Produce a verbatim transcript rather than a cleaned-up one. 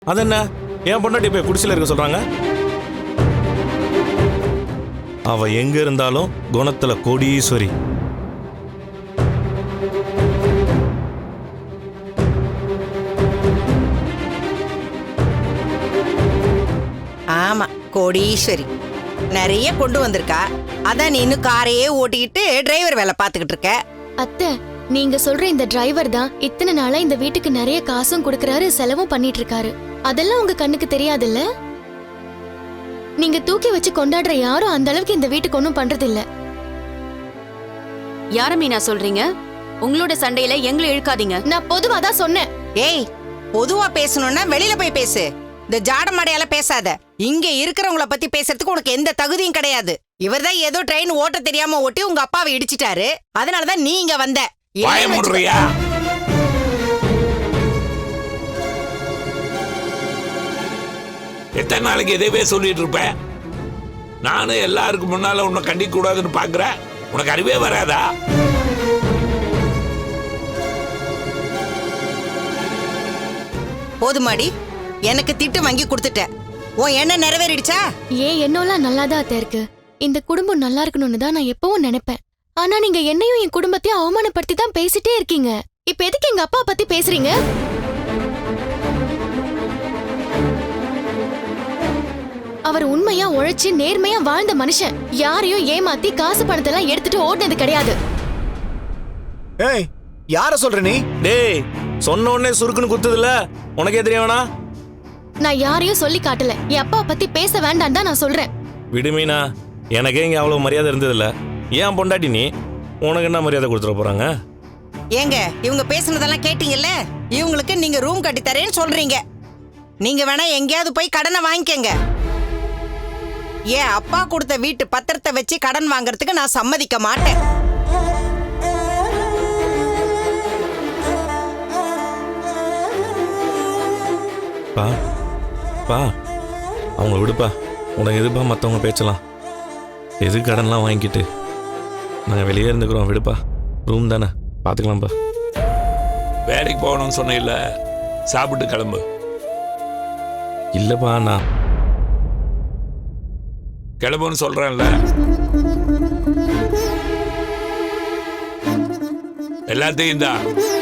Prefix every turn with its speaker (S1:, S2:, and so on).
S1: அது என்ன என் பொண்டாட்டி போய் குடிசையில் இருக்க சொல்றாங்க? அவ எங்க இருந்தாலும் குணத்துல கோடீஸ்வரி.
S2: ஆமா, கோடீஸ்வரி நிறைய கொண்டு வந்திருக்கா. அதான் நீ இன்னும் காரையே ஓட்டிக்கிட்டு டிரைவர் வேலை பார்த்துக்கிட்டு இருக்க.
S3: அத்தை, நீங்க சொல்ற இந்த டிரைவர் தான் இத்தனை நாளா இந்த வீட்டுக்கு நிறைய காசும் கொடுக்கறாரு, செலவும் பண்ணிட்டு இருக்காரு. அதெல்லாம் உங்க கண்ணுக்கு தெரியாதுல்ல? நீங்க தூக்கி வச்சு கொண்டாடுற யாரும் அந்த அளவுக்கு இந்த வீட்டுக்கு ஒன்னும் பண்றது இல்ல.
S4: யார மீனா சொல்றீங்க? உங்களோட சண்டையில எங்களை இழுக்காதீங்க.
S3: நான் பொதுவா தான் சொன்னேன்.
S2: ஏய், பொதுவா பேசணும்னா வெளியில போய் பேசு. இந்த ஜாடமாடையால பேசாத. இங்க இருக்கிறவங்கள பத்தி பேசுறதுக்கு உனக்கு எந்த தகுதியும் கிடையாது. இவர்தான் ஏதோ ட்ரெயின் ஓட்ட தெரியாம ஓட்டி உங்க அப்பாவை இடிச்சிட்டாரு. அதனாலதான் நீ இங்க வந்த.
S5: எத்தனை நாளைக்கு எதையவே சொல்லிட்டு இருப்பேன்? நானும் எல்லாருக்கும் முன்னால உன்னை கண்டிக்க கூடாதுன்னு பாக்குறேன். உனக்கு அறிவே வராதா?
S2: போதுமாடி, எனக்கு திட்டு வாங்கி கொடுத்துட்ட. உன் என்ன நிறைவேறிடுச்சா?
S3: ஏன் என்னோலாம் நல்லாதான் அத்தை இருக்கு. இந்த குடும்பம் நல்லா இருக்கணும்னு தான் நான் எப்பவும் நினைப்பேன். ஆனா நீங்க என்னையும் என் குடும்பத்தையும் அவமானப்படுத்தி தான் பேசிட்டே இருக்கீங்க. இப்ப எதுக்கு எங்க அப்பா பத்தி பேசுறீங்க? அவர் உண்மையா உழைச்சு நேர்மையா வாழ்ந்த மனுஷன். யாரையும் ஏமாத்தி காசு பணத்தெல்லாம் எடுத்துட்டு ஓடுனது கிடையாது.
S6: ஏய், யார சொல்ற நீ?
S1: டேய், சொன்ன உடனே சுருக்குன்னு குத்துதுல, உனக்கே தெரியவனா?
S3: நான் யாரையும் சொல்லி காட்டல. என் அப்பா பத்தி பேச வேண்டாம் தான் நான் சொல்றேன்.
S1: விடுமீனா, எனக்கே இங்க அவ்வளவு மரியாதை இருந்ததில்ல. ஏன் பொண்டாட்டி நீ, உனக்கு என்ன மரியாதை கொடுத்துட போறாங்க?
S2: ஏங்க, இவங்க பேசுனதெல்லாம் கேட்டீங்கல்ல? இவங்களுக்கு நீங்க ரூம் கட்டி தரேன்னு சொல்றீங்க. நீங்க வேணா எங்கேயாவது போய் கடனை வாங்கிக்கங்க. ஏன் அப்பா கொடுத்த வீட்டு பத்திரத்தை வச்சு கடன் வாங்கறதுக்கு நான் சம்மதிக்க மாட்டேன்.
S1: பா பா அவங்கள விடுப்பா. உனக்கு எதுப்பா மற்றவங்க பேச்சலாம்? எது கடன்லாம் வாங்கிக்கிட்டு நாங்கள் வெளியே இருந்துக்கிறோம். விடுப்பா, ரூம் தானே, பார்த்துக்கலாம்ப்பா.
S5: வேலைக்கு போகணும்னு சொன்ன இல்ல, சாப்பிட்டு கிளம்பு.
S1: இல்லைப்பா, நான்
S5: கிளம்புன்னு சொல்றேன்ல. எல்லாத்தையும் தான்